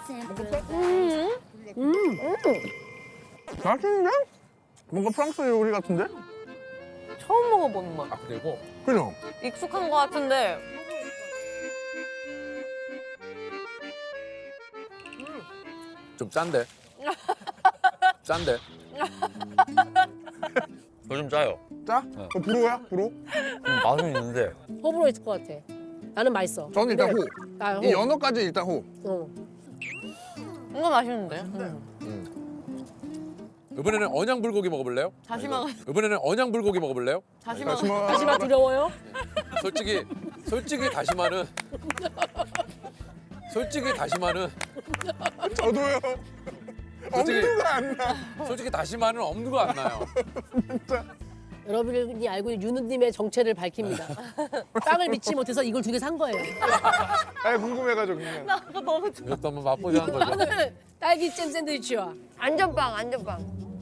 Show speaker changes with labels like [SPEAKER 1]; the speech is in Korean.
[SPEAKER 1] 맛있는데? 뭔가 프랑스 요리 같은데?
[SPEAKER 2] 처음 먹어보는 맛.
[SPEAKER 3] 아 그리고
[SPEAKER 1] 그죠?
[SPEAKER 2] 익숙한 것 같은데
[SPEAKER 3] 좀 짠데. 짠데. 요즘 짜요.
[SPEAKER 1] 짜? 불호야? 불호?
[SPEAKER 3] 맛은 있는데.
[SPEAKER 4] 호불호 있을 것 같아. 나는 맛있어.
[SPEAKER 1] 저는 일단
[SPEAKER 4] 근데
[SPEAKER 1] 호.
[SPEAKER 4] 나 호.
[SPEAKER 1] 이 연어까지 일단 호.
[SPEAKER 2] 이거 맛있는데?
[SPEAKER 3] 이번에는 언양 불고기 먹어볼래요?
[SPEAKER 2] 다시마
[SPEAKER 3] 이번에는 언양 불고기 먹어볼래요?
[SPEAKER 2] 다시마
[SPEAKER 4] 다시마 두려워요?
[SPEAKER 3] 솔직히 다시마는
[SPEAKER 1] 저도요.
[SPEAKER 3] 솔직히-
[SPEAKER 1] 엄두가 안 나.
[SPEAKER 3] 솔직히 다시마는 엄두가 안 나요.
[SPEAKER 4] 여러분이 알고 있는 윤우님의 정체를 밝힙니다. 빵을 믿지 못해서 이걸 두 개 산 거예요.
[SPEAKER 1] 아 궁금해가지고 그냥.
[SPEAKER 2] 아까 너무
[SPEAKER 3] 이것도 한번 맛보자는 거죠.
[SPEAKER 4] 오늘 딸기잼 샌드위치와
[SPEAKER 2] 안전빵 안전빵